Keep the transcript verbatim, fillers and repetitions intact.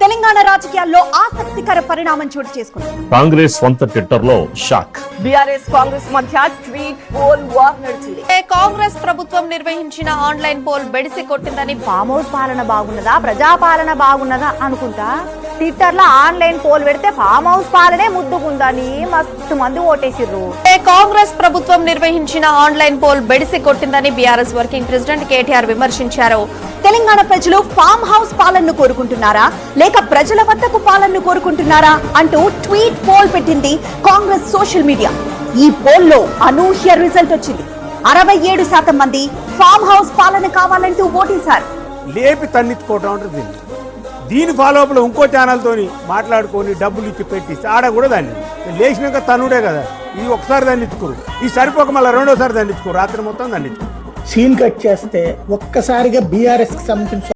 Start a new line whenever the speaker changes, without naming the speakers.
తెలంగాణ రాజకీయాల్లో ఆసక్తికర పరిణామం చోటు చేసుకుంది.
కాంగ్రెస్ సొంత ట్విట్టర్ లో షాక్.
బీఆర్ఎస్ కాంగ్రెస్ మధ్య ట్వీట్ పోల్ వార్ నడిచింది.
కాంగ్రెస్ ప్రభుత్వం నిర్వహించిన ఆన్లైన్ పోల్ బెడిసి కొట్టిందని
ఫామ్ హౌస్ పాలన బాగున్నదా ప్రజాపాలన బాగున్నదా అనుకుంటా ట్విట్టర్ లో ఆన్లైన్ పోల్ పెడితే ఫామ్ హౌస్ పాలనే ముద్దుకుందని మస్తు మంది ఓటేసిర్రు.
కాంగ్రెస్ ప్రభుత్వం నిర్వహించిన ఆన్లైన్ పోల్ బెడిసి కొట్టిందని బీఆర్ఎస్ వర్కింగ్ ప్రెసిడెంట్ కేటీఆర్ విమర్శించారు.
తెలంగాణ ప్రజలు ఫామ్ హౌస్ పాలనను కోరుకుంటున్నారా లేక ప్రజల వద్దకు పాలనను కోరుకుంటున్నారా అంటూ ట్వీట్ పోల్ పెట్టింది కాంగ్రెస్ సోషల్ మీడియా. ఈ పోల్ లో అనూహ్య రిజల్ట్ వచ్చింది. అరవై ఏడు శాతం మంది ఫామ్ హౌస్ పాలన కావాలంటూ ఓటేశారు.
లేపి తన్నెత్తుకోవటం ఉంటుంది దీన్ని. దీని ఫాలోఅప్లో ఇంకో ఛానల్తో మాట్లాడుకొని డబ్బులు ఇచ్చి పెట్టి ఆడ కూడా దాన్ని లేచినాక తనుడే కదా. ఇది ఒకసారి దాన్ని ఎత్తుకోరు, ఈ సరిపోక మళ్ళీ రెండోసారి దాన్ని ఎత్తుకోరు, రాత్రి మొత్తం దాన్ని ఎత్తుకోరు.
సీన్ కట్ చేస్తే ఒక్కసారిగా బీఆర్ఎస్ కి సంబంధించిన